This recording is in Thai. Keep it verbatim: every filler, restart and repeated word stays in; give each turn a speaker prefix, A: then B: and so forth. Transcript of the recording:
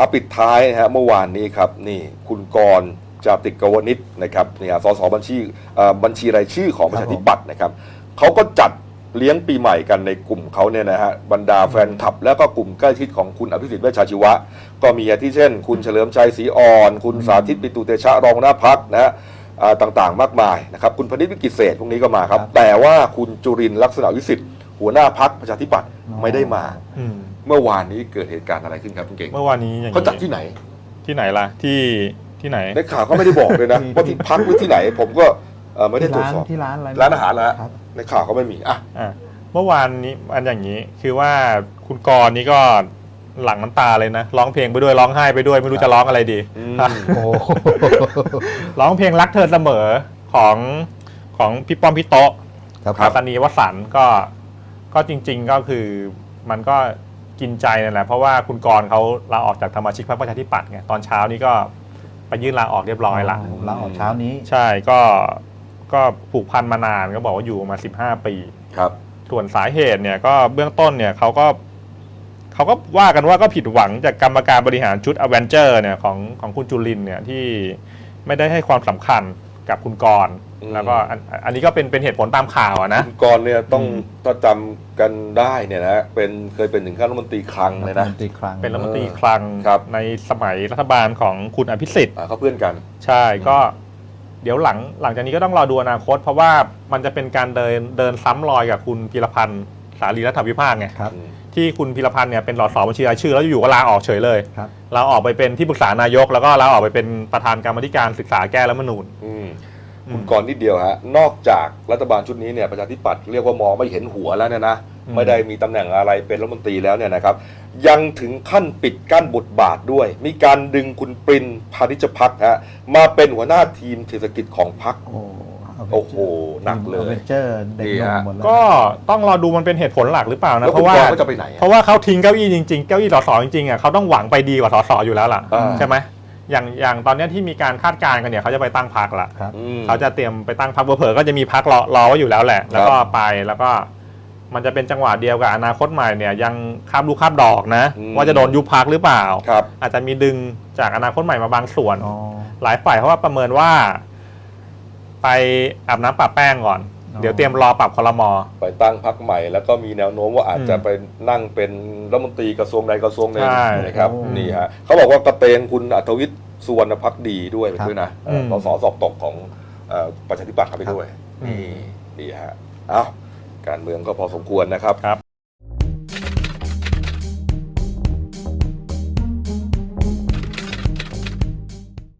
A: เอาปิดท้ายนะฮะเมื่อวานนี้ครับนี่คุณกรณ์จาติกวณิชนะครับนี่สสบัญชีบัญชีรายชื่อของประชาธิปัตย์นะครับเขาก็จัดเลี้ยงปีใหม่กันในกลุ่มเขาเนี่ยนะฮะบรรดาแฟนคลับแล้วก็กลุ่มใกล้ชิดของคุณอภิสิทธิ์เวชชาชีวะก็มีอาทิเช่นคุณเฉลิมชัยศรีอ่อนคุณสาธิตปิตุเตชะรองหัวหน้าพรรคนะฮะต่างๆมากมายนะครับคุณพนิษฐ์วิกิตเศษพวกนี้ก็มาครับแต่ว่าคุณจุรินทร์ลักษณะวิสิทธิ์หัวหน้าพรรคประชาธิปัตย์ไม่ได้มาเมื่อวานนี้เกิดเหตุการณ์อะไรขึ้นครับคุณเก่ง
B: เมื่อวานนี้อย่าง
A: เขาจัดที่ไหน
B: ที่ไหนล่ะที่ที่ไหน
A: ในข่าวก็ไม่ได้บอกเลยนะว่าที่พักหรือที่ไหนผมก็ไม่ได้ตรวจสอบ
C: ที่ร้านอะไร
A: ร้านอาหารแล้วในข่าวก็ไม่มีอ่ะ
B: เมื่อวานนี้อันอย่างนี้คือว่าคุณกรณ์นี่ก็หลั่งน้ำตาเลยนะร้องเพลงไปด้วยร้องไห้ไปด้วยไม่รู้จะร้องอะไรดีร้องเพลงรักเธอเสมอของของพี่ป้อมพี่โต๊ะปัตตานีวสันต์ก็ก็จริงๆก็คือมันก็กินใจนั่นแหละเพราะว่าคุณกรณ์เขาลาออกจากสมาชิกพรรคประชาธิปัตย์ไงตอนเช้านี้ก็ไปยื่นลาออกเรียบร้อยละ
C: ลาออกเช้านี้
B: ใช่ก็ก็ผูกพันมานานก็บอกว่าอยู่มาสิบห้าปี
A: ครับ
B: ส่วนสาเหตุเนี่ยก็เบื้องต้นเนี่ยเขาก็เขาก็ว่ากันว่าก็ผิดหวังจากกรรมการบริหารชุดอเวนเจอร์เนี่ยของของคุณจุรินทร์เนี่ยที่ไม่ได้ให้ความสำคัญกับคุณกรณ์แล้วก็อันนี้ก็เป็นเป็นเหตุผลตามข่าวนะ
A: คุณกรณ์เนี่ยต้องถ้าจำกันได้เนี่ยนะเป็นเคยเป็นถึงขั้นรัฐมนตรีคลังเลยนะ
B: เป็นรัฐมนตรีคลังในสมัยรัฐบาลของคุณอภิสิทธิ์
A: เขาเพื่อนกัน
B: ใช่ก็เดี๋ยวหลังหลังจากนี้ก็ต้องรอดูอนาคตเพราะว่ามันจะเป็นการเดินเดินซ้ำรอยกับคุณพีรพันธ์สารีรัฐวิภาคไงที่คุณพีรพันธ์เนี่ยเป็นสสบัญชีรายชื่อแล้วอยู่ก็ลาออกเฉยเลยลาออกไปเป็นที่ปรึกษานายกแล้วก็ลาออกไปเป็นประธานกรรมธิการศึกษาแก้รัฐธรรมนูญ
A: คุณกรณ์นิดเดียวฮะนอกจากรัฐบาลชุดนี้เนี่ยประชาธิปัตย์เรียกว่ามองไม่เห็นหัวแล้วเนี่ยนะไม่ได้มีตำแหน่งอะไรเป็นรัฐมนตรีแล้วเนี่ยนะครับยังถึงขั้นปิดกั้นบทบาทด้วยมีการดึงคุณปรินพานิชพักฮะมาเป็นหัวหน้าทีมเศรษฐกิจของพรรคโอ้โหหนักเลย
B: ก็ต้องรอดูมันเป็นเหตุผลหลักหรือเปล่านะ
A: เพราะว่า
B: เพราะว่าเขาทิ้งเก้าอี้จริงๆเก้าอี้สสจริงๆอ่ะเขาต้องหวังไปดีกว่าสสอยู่แล้วล่ะใช่ไหมอย่างอย่างตอนนี้ที่มีการคาดการณ์กันเนี่ยเขาจะไปตั้งพรรคละเขาจะเตรียมไปตั้งพรรคเผลอๆก็จะมีพรรครอรอไว้อยู่แล้วแหละแล้วก็ไปแล้วก็มันจะเป็นจังหวะเดียวกับอนาคตใหม่เนี่ยยังคาบลูกคาบดอกนะว่าจะโดนยุบพรรคหรือเปล่าอาจจะมีดึงจากอนาคตใหม่มาบางส่วนหลายฝ่ายเพราะว่าประเมินว่าไปอาบน้ำปะแป้งก่อนเดี๋ยวเตรียมรอปรับครม.
A: ไปตั้งพรรคใหม่แล้วก็มีแนวโน้มว่าอาจจะไปนั่งเป็นรัฐมนตรีกระทรวงใดกระทรวงหนึ่งนะครับนี่ฮะเขาบอกว่ากระเตงคุณอัธวิทย์สุวรรณภักดีด้วยไปด้วยนะสสสอบตกของประชาธิปัตย์เข้าไปด้วยนี่ดีฮะเอ้าการเมืองก็พอสมควรนะครับ